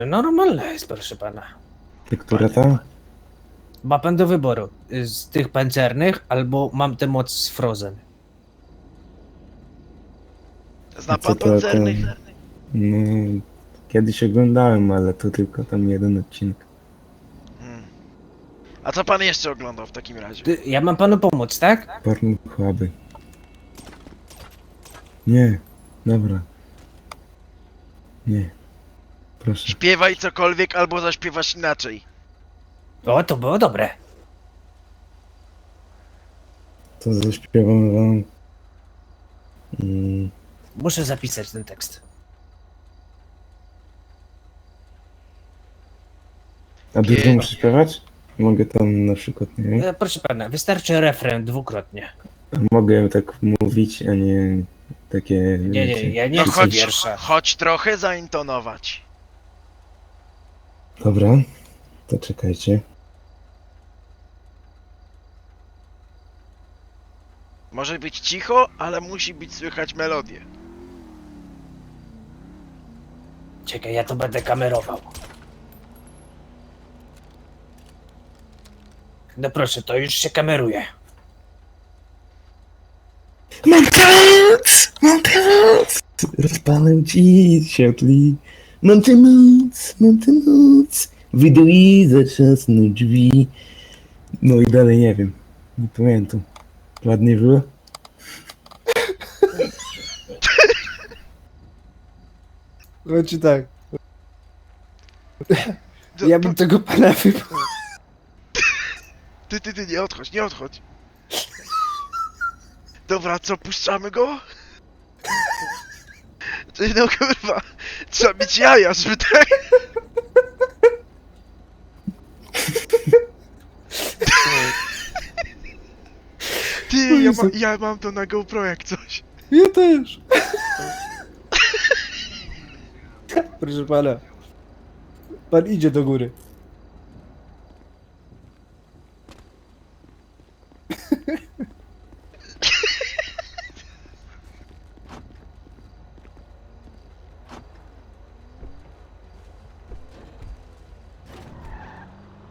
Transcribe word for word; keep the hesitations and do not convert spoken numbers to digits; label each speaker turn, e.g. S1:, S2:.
S1: Normalna jest, proszę pana.
S2: Która ta?
S1: Ma pan do wyboru z tych pancernych, albo mam tę moc z Frozen.
S3: Zna
S2: A co
S3: pan
S2: to
S3: pancernych?
S2: ten- No, kiedyś oglądałem, ale to tylko tam jeden odcinek.
S3: Hmm. A co pan jeszcze oglądał w takim razie?
S1: Ty- Ja mam panu pomóc, tak?
S2: Pornhuby. Nie, dobra. Nie. Proszę.
S3: Śpiewaj cokolwiek albo zaśpiewasz inaczej.
S1: O, to było dobre.
S2: To zaśpiewam wam. Mm,
S1: Muszę zapisać ten tekst.
S2: a dużo muszę śpiewać? Mogę tam na przykład, nie wiem.
S1: E, Proszę pana, wystarczy refren dwukrotnie.
S2: Mogę tak mówić, a nie takie.
S1: Nie, nie,
S2: wiecie.
S1: ja nie
S3: No
S1: chcę
S3: chodź,
S1: wiersza.
S3: chodź trochę zaintonować.
S2: Dobra, to czekajcie.
S3: Może być cicho, ale musi być słychać melodię.
S1: Czekaj, ja to będę kamerował. No proszę, to już się kameruje.
S2: Mam pomoc! Mam pomoc! Rozpalę ci światli. Mam tę moc, mam tę moc. Wyjdę i zatrzasnę drzwi. No i dalej nie wiem. Nie pamiętam. Ładnie było?
S1: Znaczy tak,
S3: To-
S1: ja bym tego pana wybrał.
S3: Ty, ty, ty, nie odchodź, nie odchodź. Dobra, co, puszczamy go? Ty, no kurwa, trzeba mieć jaja, żeby tak... Ty, ja, ma, ja mam to na GoPro jak coś.
S1: Ja też. Proszę pana. Pan idzie do góry.